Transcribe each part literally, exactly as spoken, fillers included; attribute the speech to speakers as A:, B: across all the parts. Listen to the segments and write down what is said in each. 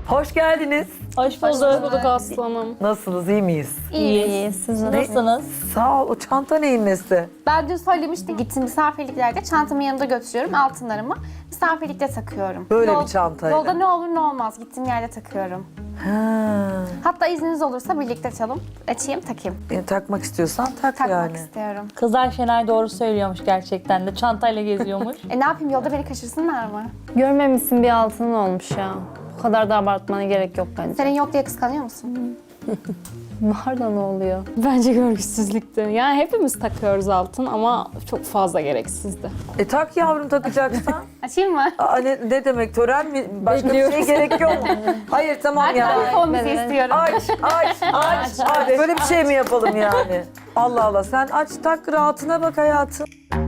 A: Hoş geldiniz.
B: Hoş bulduk. bulduk aslanım.
A: Nasılsınız, iyi miyiz?
C: İyiyiz. Siz nasılsınız?
A: Sağ ol. O çanta neyin nesi?
D: Ben dün söylemiştim, gittim misafirliklerde çantamı yanımda götürüyorum, altınlarımı misafirlikte takıyorum.
A: Böyle bir çantayla.
D: Yolda ne olur ne olmaz, gittiğim yerde takıyorum.
A: Ha.
D: Hatta izniniz olursa birlikte açalım, açayım, takayım.
A: E, takmak istiyorsan tak
D: Takmak
A: yani.
D: istiyorum.
C: Kızlar Şenay doğru söylüyormuş gerçekten de. Çantayla geziyormuş.
D: E ne yapayım, yolda beni kaçırsınlar mı?
E: Görmemişsin bir altının olmuş ya. Bu kadar da abartmana gerek yok bence.
D: Senin yok diye kıskanıyor musun?
E: Var da ne oluyor?
B: Bence görgüsüzlükte. Yani hepimiz takıyoruz altın ama çok fazla gereksizdi.
A: E tak yavrum takacaksan.
D: Açayım mı?
A: Aa, ne, ne demek tören mi? Başka bir şey gerek yok. Hayır tamam
D: Ben
A: ya.
D: telefon müziği
E: Evet.
D: istiyorum.
A: Aç, aç, aç, aç. Böyle bir şey mi yapalım yani? Allah Allah, sen aç tak, rahatına bak hayatım.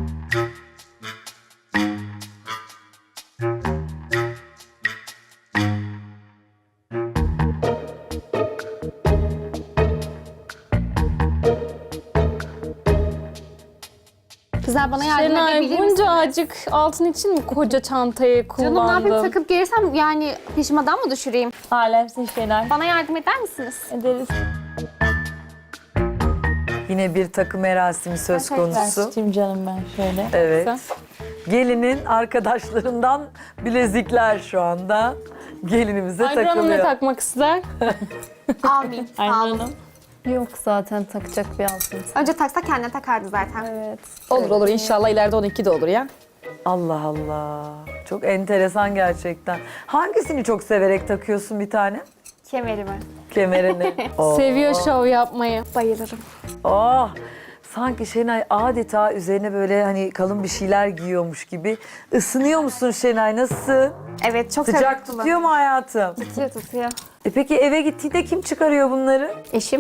D: Kızlar bana yardım
B: Şenay
D: edebilir
B: bunca
D: misin?
B: acık altın için mi koca çantayı
D: Canım ne yapayım,
B: kullandın?
D: takıp gelirsem yani peşimden mı düşüreyim?
C: Alemsin Şenay.
D: Bana yardım eder misiniz?
C: Ederiz.
A: Yine bir takım merasimi söz konusu.
C: Açayım canım ben şöyle.
A: Evet.
B: Sen?
A: Gelinin arkadaşlarından bilezikler şu anda gelinimize
B: Aynur Hanım ne
A: takılıyor.
B: takmak ister?
D: Almayayım.
B: Aynur
D: Sağ olun.
B: Hanım.
E: Yok zaten takacak bir altın.
D: Önce taksa kendine takardı zaten.
E: Evet.
F: Olur olur inşallah ileride onunki de olur ya.
A: Allah Allah. Çok enteresan gerçekten. Hangisini çok severek takıyorsun bir tane?
D: Kemerimi.
A: Kemerini. Oh.
B: Seviyor şov yapmayı.
D: Bayılırım.
A: Oh. Sanki Şenay adeta üzerine böyle hani kalın bir şeyler giyiyormuş gibi. Isınıyor musun Şenay? Nasılsın?
D: Evet, çok
A: Sıcak
D: severim.
A: tutuyor mu hayatım?
D: Tutuyor, tutuyor.
A: E peki eve gittiğinde kim çıkarıyor bunları?
D: Eşim.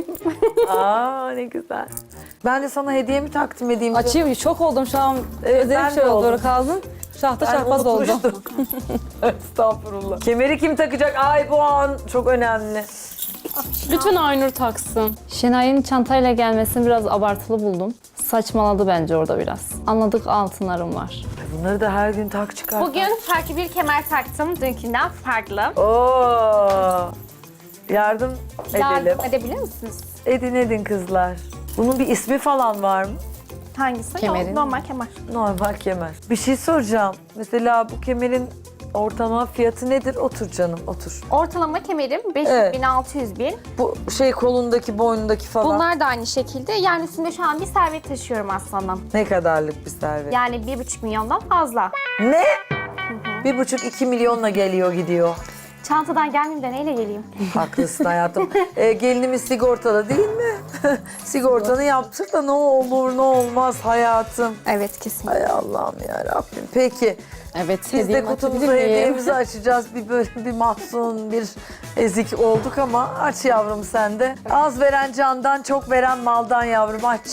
A: Aa ne güzel. Ben de sana hediye mi takdim edeyim?
F: Açayım çok oldum şu an.
A: Evet,
F: Özel
A: ben
F: bir şey
A: de
F: oldu
A: oldum.
F: kaldım. Şahta
A: Ben
F: şahbaz oldum.
A: unutmuştum. Estağfurullah. Kemeri kim takacak? Ay bu an çok önemli.
B: Lütfen Aynur taksın.
E: Şenay'ın çantayla gelmesini biraz abartılı buldum. Saçmaladı bence orada biraz. Anladık altınlarım var.
A: Bunları da her gün tak çıkar.
D: Bugün farklı bir kemer taktım. Dünkünden farklı.
A: Oo. Yardım edelim.
D: Yardım edebilir misiniz?
A: Edin edin kızlar. Bunun bir ismi falan var mı?
D: Hangisi?
F: Kemerin.
D: Normal kemer.
A: Normal kemer. Bir şey soracağım. Mesela bu kemerin ortalama fiyatı nedir? Otur canım, otur.
D: Ortalama kemerim beş yüz
A: Evet.
D: bin, altı yüz bin.
A: Bu şey kolundaki, boynundaki falan.
D: Bunlar da aynı şekilde. Yani üstümde şu an bir servet taşıyorum aslanım.
A: Ne kadarlık bir servet?
D: Yani bir buçuk milyondan fazla.
A: Ne? Bir buçuk iki milyonla geliyor gidiyor.
D: Çantadan gelmeyeyim de neyle geleyim?
A: Haklısın hayatım. Ee, gelinimiz sigortalı değil mi? Sigortanı yaptır da ne olur ne olmaz hayatım.
D: Evet, kesin.
A: Ay Allah'ım ya Rabbim. Peki
F: Evet.
A: biz de
F: hediyemi
A: kutumuzu
F: açabilir miyim?
A: hediyemizi açacağız. Bir böyle bir mahzun, bir ezik olduk ama aç yavrum sen de. Az veren candan, çok veren maldan yavrum aç.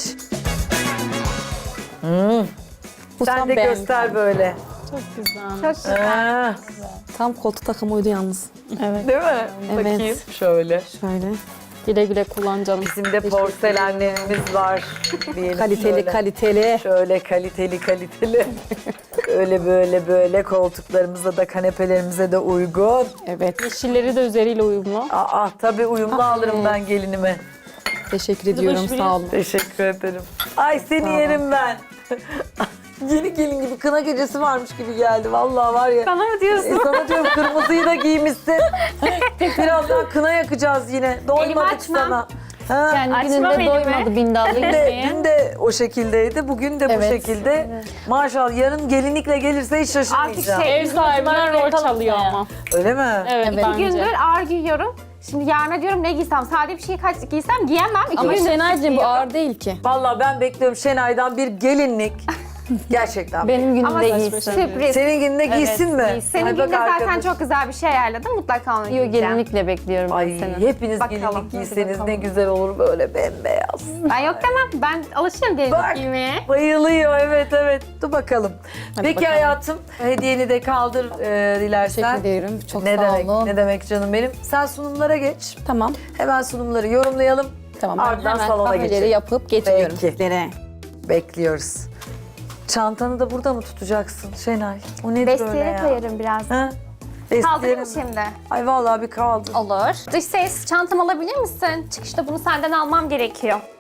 A: Hmm.
F: Bu
A: Sen
F: tam
A: de
F: beğendim.
A: göster böyle.
B: Çok güzel.
D: Çok güzel.
A: Ha,
F: Tam koltuk takımı uydu yalnız.
E: Evet.
A: değil mi?
F: Evet.
A: Bakayım şöyle.
F: Şöyle.
B: Güle güle kullan canım.
A: Bizim de porselenlerimiz var. Diyelim
F: Kaliteli
A: şöyle.
F: kaliteli.
A: Şöyle kaliteli kaliteli. Öyle böyle böyle koltuklarımıza da kanepelerimize de uygun.
F: Evet.
B: Yeşilleri de üzeriyle uyumlu.
A: Aa tabii uyumlu alırım ben gelinime.
F: Teşekkür ediyorum sağ olun.
A: Teşekkür ederim. Ay seni yerim ben. Yeni gelin gibi kına gecesi varmış gibi geldi. Vallahi var ya.
D: Bana mı diyorsun?
A: E, sana diyorum kırmızıyı da giymişsin. Birazdan kına yakacağız yine. Doymadık
D: açmam.
A: sana. Ha.
E: Yani
D: Açma
E: gününde
D: beni
E: doymadı bindallı
A: Dün de,
E: gitmeye.
A: dün de o şekildeydi, bugün de bu
F: Evet.
A: şekilde. Maşallah yarın gelinlikle gelirse hiç şaşırmayacağım.
D: Artık şey-
B: Ev sahibinden rol çalıyor ama.
A: Öyle mi?
B: Evet,
D: İki
B: bence.
D: gündür ağır giyiyorum. Şimdi yarına diyorum ne giysem, sade bir şey kaç giysem giyemem. İki
F: Ama
D: gündür
F: Şenaycığım bu
D: giyiyorum.
F: ağır değil ki.
A: Vallahi ben bekliyorum Şenay'dan bir gelinlik. Gerçekten.
E: Benim
D: Ama
E: günümde giysin.
D: sürpriz.
A: Senin gününde giysin mi?
D: Senin
A: Ay bak
D: günde zaten
A: arkadaş.
D: çok güzel bir şey ayarladım. Mutlaka onu
E: Yok
D: giyeceğim.
E: gelinlikle bekliyorum ben
A: Ay
E: seni.
A: hepiniz
D: Bakalım.
A: gelinlik giyseniz ne güzel olur böyle bembeyaz.
D: Ben yok demem. Ben alışırım gelinlik
A: Bak.
D: giymeye.
A: Bayılıyor evet evet. Dur bakalım. Peki
F: bakalım.
A: hayatım hediyeni de kaldır e, dilersen.
F: Teşekkür ederim. Çok
A: Ne
F: sağ
A: demek,
F: olun.
A: ne demek canım benim. Sen sunumlara geç.
F: Tamam.
A: Hemen sunumları yorumlayalım.
F: Tamam. Ben
A: Ardından
F: hemen
A: salona
F: kahveleri
A: geçelim.
F: yapıp getiriyorum
A: Peki.
F: sizlere.
A: Bekliyoruz. Çantanı da burada mı tutacaksın Şenay? O nedir öyle
D: Desteğe
A: ya?
D: koyarım biraz.
A: Ha?
D: Kaldırayım mı
A: İsterim.
D: şimdi?
A: Ay vallahi bir kaldı.
D: Olur. Dış ses çantamı alabilir misin? Çıkışta bunu senden almam gerekiyor.